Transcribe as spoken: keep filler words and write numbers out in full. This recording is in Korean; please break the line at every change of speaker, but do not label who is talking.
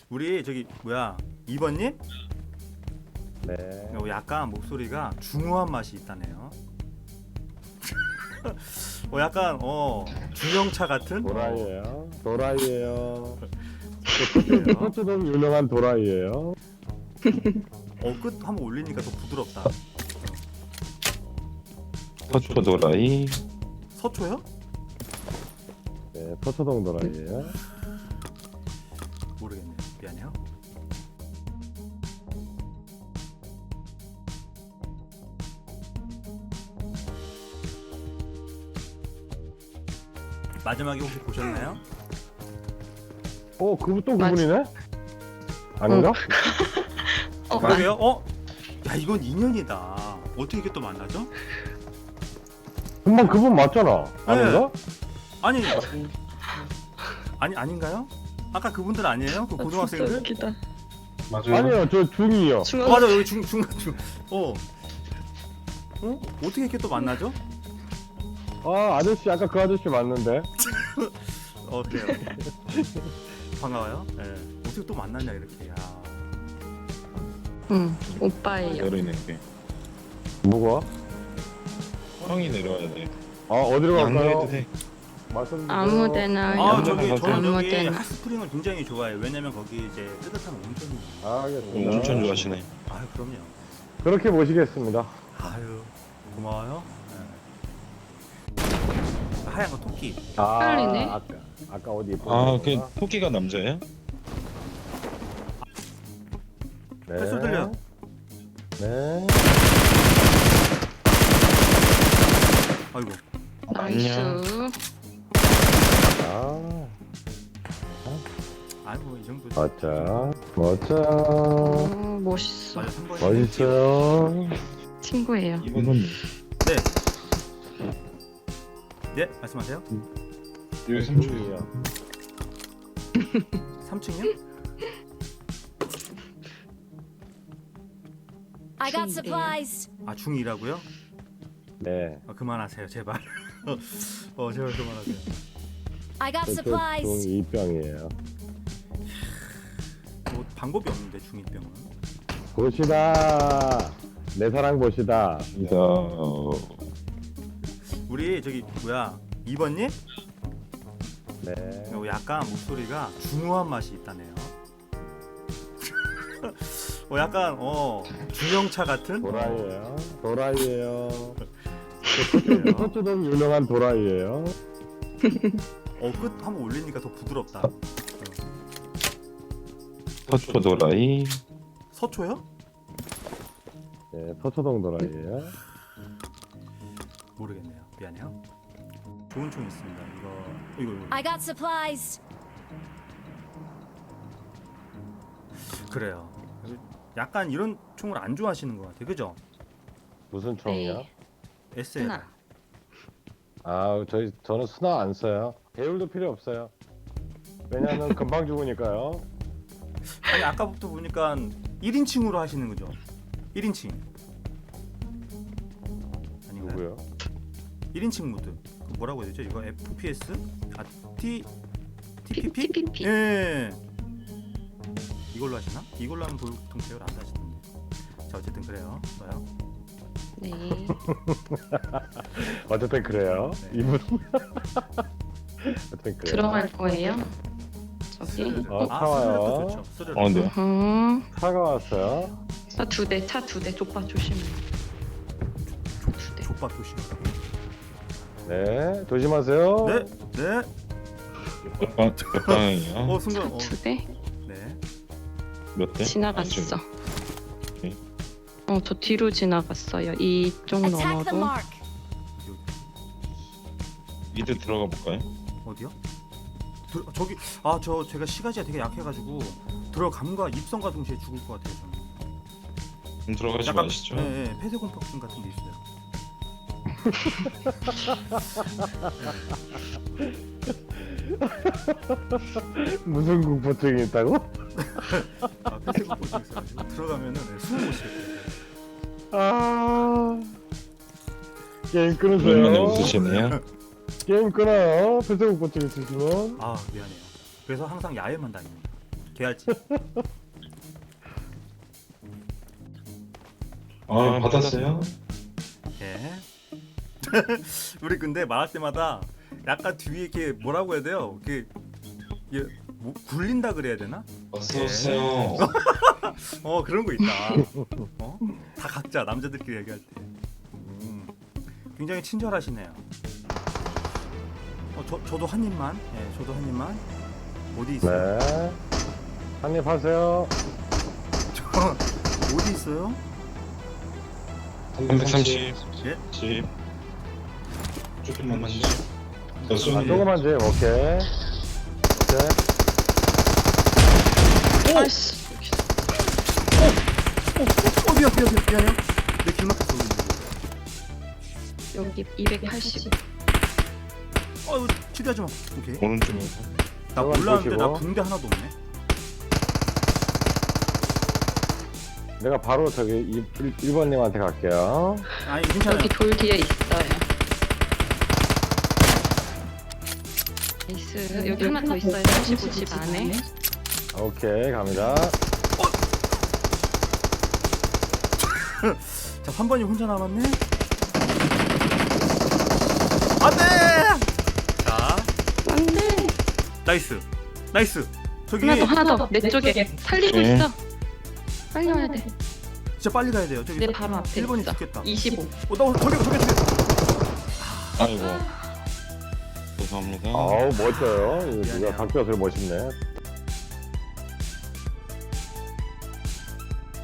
우리 저기 뭐야 이 번님?
네.
어, 약간 목소리가 중후한 맛이 있다네요. 어 약간 어 중형차 같은
도라이예요. 도라이예요.
그래요?
토트넘 유명한 도라이예요.
어끝 한번 올리니까 더 부드럽다.
서초 도라이.
서초요?
네, 토트넘 도라이예요.
모르겠네요. 미안해요. 마지막에 혹시 보셨나요?
어, 그분 또
맞-
그분이네? 아닌가?
어,
그러게요? 어? 야 이건 인연이다. 어떻게 이게 또 만나죠?
금방 그분 맞잖아. 아닌가?
아니 아니 아닌가요? 아까 그분들 아니에요? 그
아, 진짜
고등학생들?
웃기다.
맞아요.
아니요, 저 중이요.
어,
중앙
맞아 여기 중 중간 중. 어. 어? 어떻게 이렇게 또 만나죠?
아, 아저씨 아까 그 아저씨 맞는데.
어 그래요. 반가워요. 예. 네. 어떻게 또 만났냐 이렇게. 야.
응, 오빠예요.
내려있는 게
뭐가?
형이 내려와야 돼.
아, 어디로 갈까요?
양보해도 돼.
말씀 주세요.
아무데나
아
요
저기 저는
아무
여기
데나.
핫스프링을 굉장히 좋아해요. 왜냐면 거기 이제 뜨뜻한 온천이.
아, 알겠습니다.
온천 좋아하시네.
아유 그럼요.
그렇게 모시겠습니다.
아유 고마워요. 네. 하얀 거 토끼.
아,
빨리네.
아까, 아까 어디 있던
아, 그
데구나.
토끼가 남자예요?
네.
뱃소 들려.
네.
아이고.
나이스.
아,
아이고 이 정도.
멋져. 멋져.
어, 멋있어.
맞아 삼 번.
멋있어요.
친구예요.
이분은
네. 네 말씀하세요.
여기
중이요.
삼 층이요?
I got
중이래요.
supplies.
아 중이라고요?
네.
아, 그만하세요 제발. 어 제발 그만하세요.
I got
저쪽
supplies.
중이병이에요.
뭐 방법이 없는데 중이병은.
보시다. 내 사랑 보시다.
이다. 어,
우리 저기 뭐야 이 번님?
네.
어, 약간 목소리가 중후한 맛이 있다네요. 어 약간 어 중형차 같은
도라이예요. 도라이예요.
그래요?
토트넘 유명한 도라이예요.
어끝 한번 올리니까 더 부드럽다. 어.
서초 도라이.
서초요?
네, 토트넘 도라이예요.
모르겠네요. 미안해요. 좋은 총 있습니다. 이거 어, 이거, 이거.
I got supplies.
그래요. 약간 이런 총을 안 좋아하시는 것 같아요. 그죠?
무슨 총이야?
네.
에스엘.
하나.
아, 저희 저는 수나 안 써요. 배율도 필요 없어요. 왜냐하면 금방 죽으니까요.
아니 아까부터 보니까 일 인칭으로 하시는 거죠? 일 인칭. 아닌가요?
누구요?
일 인칭 모드. 그 뭐라고 해야 되죠? 이거 에프피에스? 아, T 티피피?
티피피.
예. 이걸로 하시나? 이걸로 하면 보통 배열 안 하시던데. 자, 어쨌든 그래요. 뭐요?
네.
어쨌든 그래요.
네.
이분. 어쨌든 그래요.
들어갈 거예요. 저기.
스르르.
어,
아,
사와요.
스르르도 좋죠. 스르르.
어, 네.
음.
차가 왔어요.
차두 대, 차 두 대. 족바 조심해. 두 대.
족밥 조심하라고.
네, 조심하세요.
네, 네.
몇 방, 몇 방향이야?
어 순간. 어.
두 대?
네.
몇 대?
지나갔어.
아, 오케이.
어, 저 뒤로 지나갔어요. 이쪽
Attack the
너머로.
mark.
어디,
미드 들어가 볼까요?
어디, 어디요? 들, 저기 아 저 제가 시가지가 되게 약해가지고 들어감과 입성과 동시에 죽을 것 같아요. 저는.
좀 들어가지 마시죠.
네, 네, 폐쇄 공포증 같은 게 있어요.
무슨 공포증이 있다고?
아, 폐쇄 공포증 있어가지고 들어가면은 네, 숨을 못 쉬겠어요.
아, 게임
그러면
끊으세요.
웃으시네요.
게임 끊어요. 폐쇄 공포증 있으시면.
아 미안해요. 그래서 항상 야외만 다닙니다. 개알지.
아 받았어요?
예. 우리 근데 말할 때마다 약간 뒤에 이렇게 뭐라고 해야 돼요? 이렇게 이게 뭐, 굴린다 그래야 되나?
어서 오세요.
어 그런 거 있다. 어? 다 각자 남자들끼리 얘기할 때. 음, 굉장히 친절하시네요. 어, 저 저도 한 입만. 예, 저도 한 입만. 어디 있어요?
네. 한입 하세요.
저 어디 있어요?
삼백삼십.
예?
십. 조금만 주시죠.
아,
여순이.
조금만 줘요. 오케이. 오케이.
아이씨.
어 미안 미안 미안 미안해요. 내 길 막혔어. 우리.
여기 이백팔십.
어 이거 치료하지 마. 오케이.
오른쪽에.
나
조금만
몰랐는데 나
보시고.
붕대 하나도 없네.
내가 바로 저기 일 번님한테 갈게요.
아니 괜찮아요.
여기 돌 뒤에 있어요. 나이스. 여기 하나 더 있어요. 삼십오 집 안에.
오케이, 갑니다.
자, 한 번이 혼자 남았네. 안돼. 자,
안돼.
나이스, 나이스. 저기
하나 더 하나 더. 내 쪽에 살리고
네.
있어. 빨리 와야 돼.
진짜 빨리 가야 돼요. 저기
내 바로 앞에
일 번이
있어.
죽겠다.
이십오.
어, 나 저기 저기 저기.
아이고. 죄송합니다.
아우, 멋져요. 이거 누가
미안해요.
박교수를 멋있네.